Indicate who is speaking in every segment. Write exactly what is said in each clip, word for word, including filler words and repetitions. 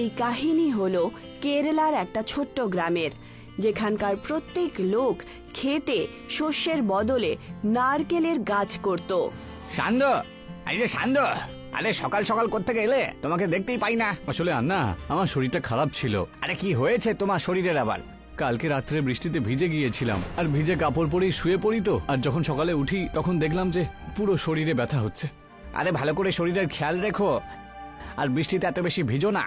Speaker 1: এই কাহিনী হলো কেরালার একটা ছোট্ট গ্রামের, যেখানকার প্রত্যেক লোক খেতে শস্যের বদলে নারকেলের গাছ করত।
Speaker 2: সান্দ, এই যে সান্দ, আরে সকাল সকাল কোত্থেকে এলে? তোমাকে দেখতেই পাই না।
Speaker 3: আসলে আন্না, আমার শরীরটা খারাপ ছিল।
Speaker 2: আরে কি হয়েছে তোমার শরীরের আবার?
Speaker 3: কালকে রাত্রে বৃষ্টিতে ভিজে গিয়েছিলাম, আর ভিজে কাপড় পরেই শুয়ে পড়ি তো, আর যখন সকালে উঠি তখন দেখলাম যে পুরো শরীরে ব্যথা হচ্ছে।
Speaker 2: আরে ভালো করে শরীরের খেয়াল রেখো, আর বৃষ্টিতে এত বেশি ভিজো না।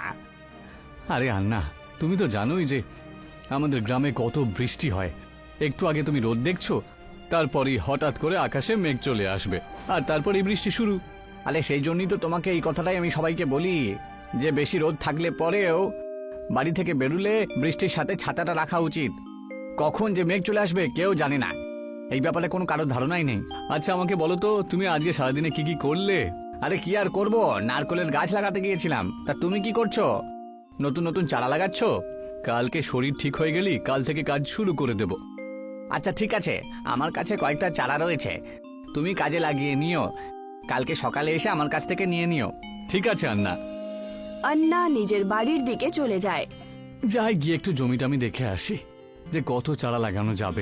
Speaker 3: আরে আন্না, তুমি তো জানোই যে আমাদের গ্রামে কত বৃষ্টি হয়। একটু আগে তুমি রোদ দেখছো, তারপরেই হঠাৎ করে আকাশে মেঘ চলে আসবে, আর তারপরেই বৃষ্টি শুরু।
Speaker 2: আরে সেই জন্যই তো তোমাকে এই কথাটাই আমি সবাইকে বলি, যে বেশি রোদ থাকলে পরেও বাড়ি থেকে বেরুলে বৃষ্টির সাথে ছাতাটা রাখা উচিত। কখন যে মেঘ চলে আসবে কেউ জানে না, এই ব্যাপারে কোনো কারোর ধারণাই নেই।
Speaker 3: আচ্ছা আমাকে বলো তো, তুমি আজকে সারাদিনে কি কি করলে?
Speaker 2: আরে কি আর করবো, নারকেলের গাছ লাগাতে গিয়েছিলাম। তা তুমি কি করছো? নতুন নতুন চারা লাগাচ্ছ?
Speaker 3: কালকে শরীর ঠিক হয়ে গেলি কাল থেকে কাজ শুরু করে দেব।
Speaker 2: আচ্ছা ঠিক আছে, আমার কাছে কয়েকটা চারা রয়েছে, তুমি কাজে লাগিয়ে নিও। কালকে সকালে এসে আমার কাছ থেকে নিয়ে নিও।
Speaker 3: ঠিক আছে আন্না।
Speaker 1: আন্না নিজের বাড়ির দিকে চলে যায়।
Speaker 3: যাই গিয়ে একটু জমিটা আমি দেখে আসি যে কত চারা লাগানো যাবে।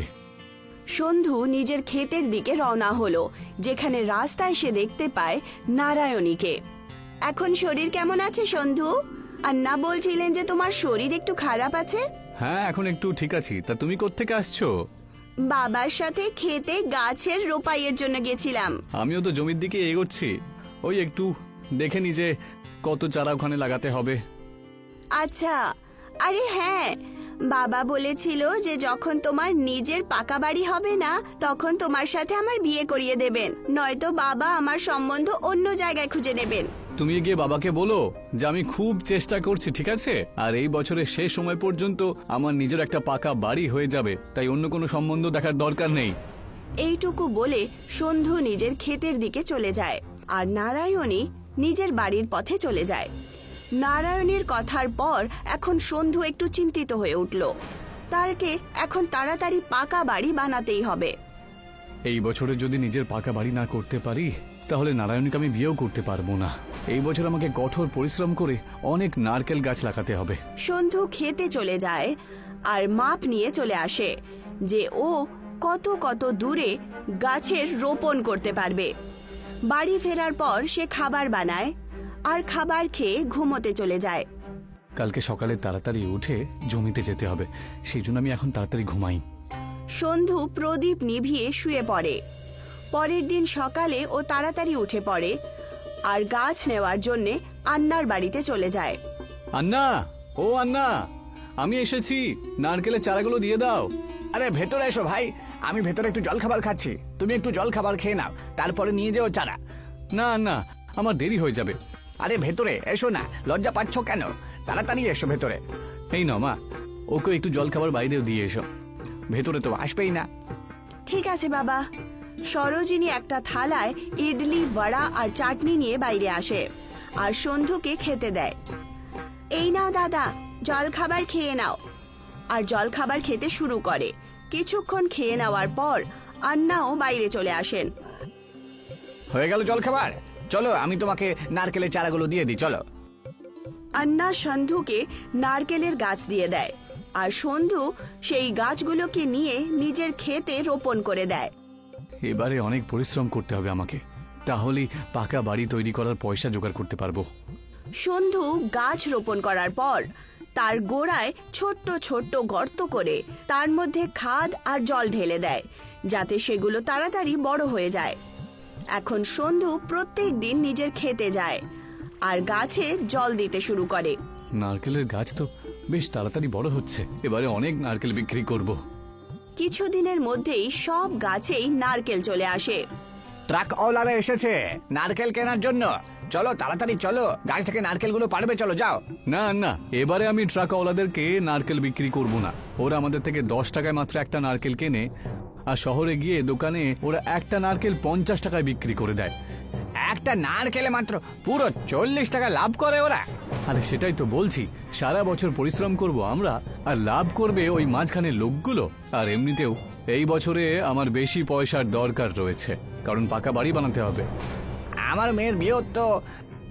Speaker 1: সন্ধু নিজের ক্ষেতের দিকে রওনা হলো, যেখানে রাস্তায় সে দেখতে পায় নারায়ণীকে। এখন শরীর কেমন আছে সন্ধু? আন্না বলছিলেন যে তোমার শরীর একটু খারাপ আছে।
Speaker 3: হ্যাঁ, এখন একটু ঠিক আছি। তা তুমি কোত্থেকে আসছো?
Speaker 1: বাবার সাথে খেতে গাছের রোপাইয়ের জন্য গেছিলাম।
Speaker 3: আমিও তো জমির দিকে এগোচ্ছি, ওই একটু দেখে নি যে কত চারা ওখানে লাগাতে হবে।
Speaker 1: আচ্ছা, আরে হ্যাঁ, বাবা বলেছিল যে যখন তোমার নিজের পাকা বাড়ি হবে না তখন তোমার সাথে আমার বিয়ে করিয়ে দেবেন, নয়তো বাবা আমার সম্বন্ধ অন্য জায়গায় খুঁজে নেবেন।
Speaker 3: তুমি গিয়ে বাবাকে বলো যে আমি খুব চেষ্টা করছি, ঠিক আছে? আর এই বছরের শেষ সময় পর্যন্ত আমার নিজের একটা পাকা বাড়ি হয়ে যাবে, তাই অন্য কোনো সম্বন্ধ দেখার দরকার নেই।
Speaker 1: এইটুকু বলে সন্ধু নিজের ক্ষেতের দিকে চলে যায়, আর নারায়ণী নিজের বাড়ির পথে চলে যায়। নারায়ণীর কথার পর এখন সন্ধু একটু চিন্তিত হয়ে উঠল। তারকে এখন তাড়াতাড়ি পাকা বাড়ি বানাতেই হবে।
Speaker 3: এই বছরে যদি নিজের পাকা বাড়ি না করতে পারি তাহলে নারায়ণীকে আমি বিয়েও করতে পারবো না। এই বছর আমাকে কঠোর পরিশ্রম করে অনেক নারকেল গাছ লাগাতে হবে।
Speaker 1: সন্ধু খেতে চলে যায় আর মাপ নিয়ে চলে আসে যে ও কত কত দূরে গাছের রোপণ করতে পারবে। বাড়ি ফেরার পর সে খাবার বানায় আর খাবার খেয়ে ঘুমোতে চলে যায়।
Speaker 3: কালকে সকালে তাড়াতাড়ি উঠে জমিতে যেতে হবে, সেই জন্য আমি এখন তাড়াতাড়ি ঘুমাই।
Speaker 1: সন্ধু প্রদীপ নিভিয়ে শুয়ে পড়ে। পরের দিন সকালে ও তাড়াতাড়ি উঠে পড়ে আর গাছ নেওয়ার জন্যে আন্নার বাড়িতে চলে যায়।
Speaker 3: আন্না, ও আন্না, আমি এসেছি, নারকেলের চারাগুলো দিয়ে দাও।
Speaker 2: আরে ভেতরে এসো ভাই, আমি ভেতরে একটু জল খাবার খাচ্ছি, তুমি একটু জল খাবার খেয়ে নাও, তারপরে নিয়ে যেও চারা।
Speaker 3: না আন্না, আমার দেরি হয়ে যাবে।
Speaker 2: আরে ভেতরে এসো না, লজ্জা পাচ্ছ কেন? তাড়াতাড়ি এসো ভেতরে।
Speaker 3: এই নাও মা, ওকে একটু জল খাবার বাইরেও দিয়ে এসো।
Speaker 2: ভেতরে তো আসবেই না।
Speaker 1: ঠিক আছে বাবা। সরোজিনী একটা থালায় ইডলি, বড়া আর চাটনি নিয়ে বাইরে আসে আর সন্ধুকে খেতে দেয়। এই নাও দাদা, জল খাবার খেয়ে নাও। আর জল খাবার খেতে শুরু করে। কিছুক্ষণ খেয়ে নেওয়ার পর আন্নাও বাইরে চলে আসেন।
Speaker 2: হয়ে গেল জল খাবার, চলো আমি তোমাকে নারকেলের চারাগুলো দিয়ে দিই, চলো।
Speaker 1: আন্না সন্ধুকে নারকেলের গাছ দিয়ে দেয় আর সন্ধু সেই গাছগুলোকে নিয়ে নিজের ক্ষেতে রোপণ করে দেয়।
Speaker 3: এবারে অনেক পরিশ্রম করতে হবে আমাকে, তাহলেই পাকা বাড়ি তৈরি করার পয়সা জোগাড় করতে পারবো।
Speaker 1: সন্ধু গাছ রোপণ করার পর তার গোড়ায় ছোট্ট ছোট্ট গর্ত করে তার মধ্যে খাদ আর জল ঢেলে দেয়, যাতে সেগুলো তাড়াতাড়ি বড় হয়ে যায়। এখন সন্ধু প্রত্যেক দিন নিজের খেতে যায় আর গাছে জল দিতে শুরু করে।
Speaker 3: নারকেলের গাছ তো বেশ তাড়াতাড়ি বড় হচ্ছে, এবারে অনেক নারকেল বিক্রি করব।
Speaker 1: কিছুদিনের মধ্যেই সব গাছেই নারকেল চলে আসে।
Speaker 2: ট্রাক ওলারা এসেছে নারকেল কেনার জন্য, চলো তাড়াতাড়ি চলো, গাছ থেকে নারকেলগুলো পারবে, চলো যাও।
Speaker 3: না না, এবারে আমি ট্রাকওয়ালাদেরকে নারকেল বিক্রি করব না। ওরা আমাদের থেকে দশ টাকায় মাত্র একটা নারকেল কেনে, আর শহরে গিয়ে দোকানে ওরা একটা নারকেল পঞ্চাশ টাকায় বিক্রি করে দেয়।
Speaker 2: একটা নারকেলে মাত্র পুরো চল্লিশ টাকা লাভ করে ওরা।
Speaker 3: আরে সেটাই তো বলছি, সারা বছর পরিশ্রম করব আমরা আর লাভ করবে ওই মাঝখানের লোকগুলো। আর এমনিতেও এই বছরে আমার বেশি পয়সার দরকার রয়েছে, কারণ পাকা বাড়ি বানাতে হবে।
Speaker 2: আমার মেয়ের বিয়ে তো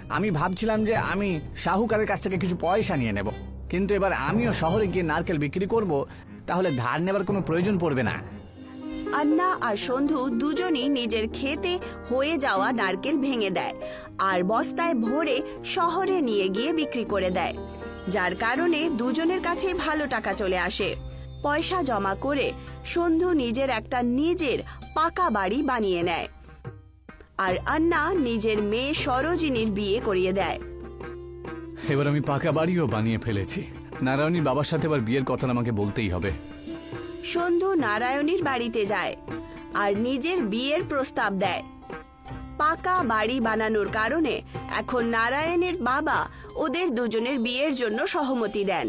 Speaker 2: আমি ভাবছিলাম যে আমি শাহুকারের কাছ থেকে কিছু পয়সা নিয়ে নেব, কিন্তু এবার আমিও শহরে গিয়ে নারকেল বিক্রি করব, তাহলে ধার নেবার কোনো প্রয়োজন পড়বে না।
Speaker 1: আন্না আর সন্ধু দুজনই নিজের ক্ষেতে হয়ে যাওয়া নারকেল ভেঙে দেয় আর বস্তায় ভরে শহরে নিয়ে গিয়ে বিক্রি করে দেয়, যার কারণে দুজনের কাছে ভালো টাকা চলে আসে। পয়সা জমা করে সন্ধু নিজের একটা নিজের পাকা বাড়ি বানিয়ে নেয় আর আন্না নিজের মেয়ে সরোজিনীর বিয়ে করিয়ে দেয়।
Speaker 3: এবার আমি পাকা বাড়িও বানিয়ে ফেলেছি। নারায়ণীর বাবার সাথে এবার বিয়ের কথা আমাকে বলতেই হবে।
Speaker 1: সন্ধু নারায়ণীর বাড়িতে যায় আর নিজের বিয়ের প্রস্তাব দেয়। পাকা বাড়ি বানানোর কারণে এখন নারায়ণের বাবা ওদের দুজনের বিয়ের জন্য সহমতি দেন।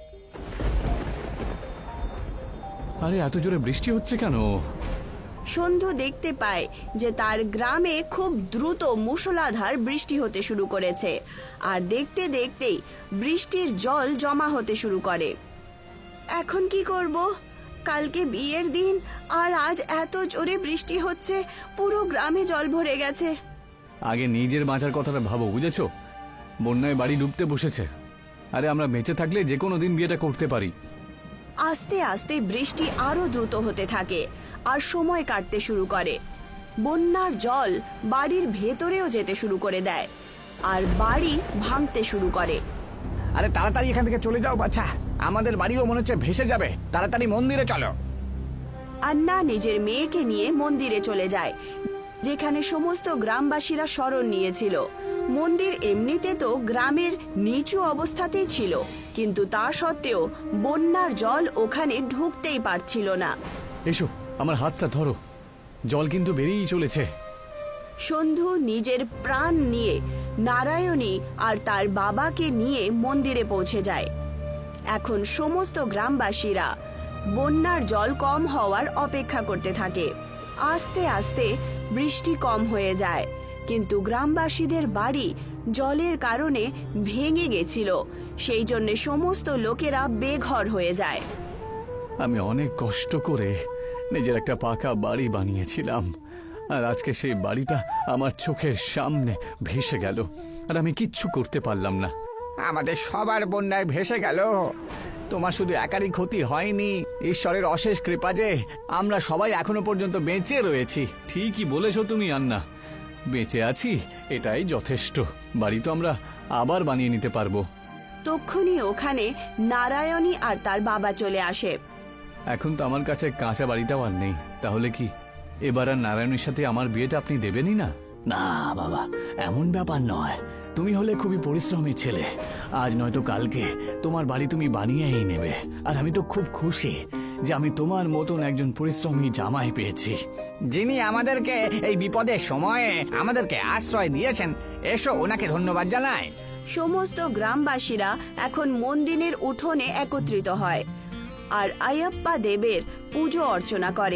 Speaker 3: আরে এত জোরে বৃষ্টি হচ্ছে কেন?
Speaker 1: সন্ধু দেখতে পায় যে তার গ্রামে খুব দ্রুত মুষলধার বৃষ্টি হতে শুরু করেছে আর দেখতে দেখতেই বৃষ্টির জল জমা হতে শুরু করে। এখন কি করব? কালকে বিয়ের দিন আর আজ এত জোরে বৃষ্টি হচ্ছে, পুরো গ্রামে জল ভরে গেছে।
Speaker 3: আগে নিজের বাঁচার কথাটা ভাবো, বুঝেছো? বন্যায় বাড়ি ডুবতে বসেছে। আরে আমরা বেঁচে থাকলে যে কোনো দিন বিয়েটা করতে পারি।
Speaker 1: আস্তে আস্তে বৃষ্টি আরো দ্রুত হতে থাকে আর সময় কাটতে শুরু করে। বন্যার জল বাড়ির ভেতরেও যেতে শুরু করে দেয় আর বাড়ি ভাঙতে শুরু করে।
Speaker 2: আরে তাড়াতাড়ি এখান থেকে চলে যাও বাচ্চা, আমাদের বাড়িও মনে হচ্ছে ভেসে যাবে। তাড়াতাড়ি মন্দিরে চলো।
Speaker 1: আন্না নিজের মেয়েকে নিয়ে মন্দিরে চলে যায়, যেখানে সমস্ত গ্রামবাসীরা শরণ নিয়েছিল। মন্দির এমনিতে তো গ্রামের নিচু অবস্থাতেই ছিল, কিন্তু তা সত্ত্বেও বন্যার জল ওখানে ঢুকতেই পারছিল না।
Speaker 3: এসো, আমার হাতটা ধরো, জল কিন্তু বেরিয়েই চলেছে।
Speaker 1: সন্ধু নিজের প্রাণ নিয়ে নারায়ণী আর তার বাবাকে নিয়ে মন্দিরে পৌঁছে যায়। এখন সমস্ত গ্রামবাসীরা বন্যার জল কম হওয়ার অপেক্ষা করতে থাকে। আস্তে আস্তে বৃষ্টি কম হয়ে যায়, কিন্তু গ্রামবাসীদের বাড়ি জলের কারণে ভেঙে গেছিল, সেই জন্য সমস্ত লোকেরা বেঘর হয়ে যায়।
Speaker 3: আমি অনেক কষ্ট করে নিজের একটা পাকা বাড়ি বানিয়েছিলাম, আর আজকে সেই বাড়িটা আমার চোখের সামনে ভেসে গেল, আর আমি কিচ্ছু করতে পারলাম না।
Speaker 2: আমাদের সবার বন্যায় ভেসে গেল। তোমার শুধু একারই ক্ষতি হয়নি, ঈশ্বরের অশেষ কৃপা যে আমরা সবাই এখনো পর্যন্ত বেঁচে রয়েছি।
Speaker 3: ঠিকই বলেছো তুমি আন্না, বেঁচে আছি এটাই যথেষ্ট। বাড়ি তো আমরা আবার বানিয়ে নিতে পারবো।
Speaker 1: তক্ষুনি ওখানে নারায়ণী আর তার বাবা চলে আসে।
Speaker 3: এখন তো আমার কাছে কাঁচা বাড়িটাও আর নেই, তাহলে কি এবার আর নারায়ণের সাথে আমার বিয়েটা আপনি দেবেনই না?
Speaker 2: না বাবা, এমন ব্যাপার নয়। তুমি হলে খুবই পরিশ্রমী ছেলে, আজ নয়তো কালকে তোমার বাড়ি তুমি বানিয়েই নেবে। আর আমি তো খুব খুশি যে আমি তোমার মতন একজন পরিশ্রমী জামাই পেয়েছি, যিনি আমাদেরকে এই বিপদের সময়ে আমাদেরকে আশ্রয় দিয়েছেন। এসো, ওনাকে ধন্যবাদ জানাই।
Speaker 1: সমস্ত গ্রামবাসীরা এখন মন্দিরের উঠোনে একত্রিত হয় আর আয়াপ্পা দেবের পুজো অর্চনা করে।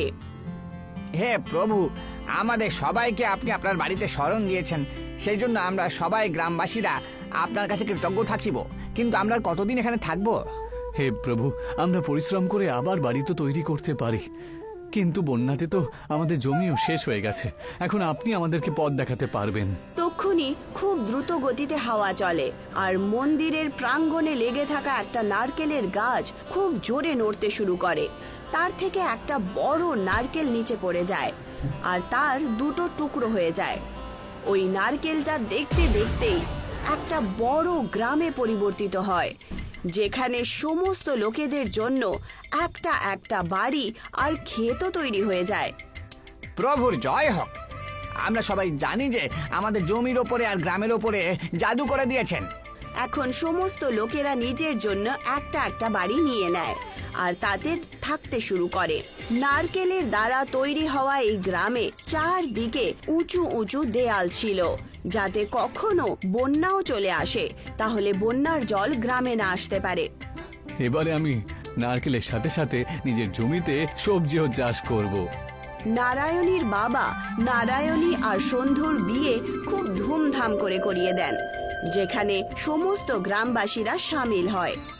Speaker 2: হে প্রভু, আমাদের সবাইকে আপনি আপনার বাড়িতে শরণ দিয়েছেন, সেই জন্য আমরা সবাই গ্রামবাসীরা আপনার কাছে কৃতজ্ঞ থাকিব। কিন্তু আমরা আর কতদিন এখানে থাকবো?
Speaker 3: হে প্রভু, আমরা পরিশ্রম করে আবার বাড়ি তো তৈরি করতে পারি, কিন্তু বন্যাতে তো আমাদের জমিও শেষ হয়ে গেছে। এখন আপনি আমাদেরকে পথ দেখাতে পারবেন।
Speaker 1: তক্ষুনি খুব দ্রুত গতিতে হাওয়া চলে আর মন্দিরের প্রাঙ্গণে লেগে থাকা একটা নারকেলের গাছ খুব জোরে নড়তে শুরু করে। তার থেকে একটা বড় নারকেল নিচে পড়ে যায় আর তার দুটো টুকরো হয়ে যায়। ওই নারকেলটা দেখতে দেখতেই একটা বড় গ্রামে পরিবর্তিত হয়, যেখানে সমস্ত লোকেদের জন্য একটা একটা বাড়ি আর ক্ষেতও তৈরি হয়ে যায়।
Speaker 2: প্রভুর জয় হোক। আমরা সবাই জানি যে আমাদের জমির ওপরে আর গ্রামের ওপরে জাদু করে দিয়েছেন।
Speaker 1: এখন সমস্ত লোকেরা নিজের জন্য একটা একটা বাড়ি নিয়ে নেয় আর তাতে থাকতে শুরু করে। নারকেলের দ্বারা তৈরি হওয়া এই গ্রামে চারদিকে উঁচু উঁচু দেয়াল ছিল, যাতে কখনো বন্যাও চলে আসে তাহলে বন্যার জল গ্রামে না আসতে পারে।
Speaker 3: এবারে আমি নারকেলের সাথে সাথে নিজের জমিতে সবজিও চাষ করব।
Speaker 1: নারায়ণীর বাবা নারায়ণী আর সন্ধুর বিয়ে খুব ধুমধাম করে করিয়ে দেন, যেখানে সমস্ত গ্রামবাসীরা সামিল হয়।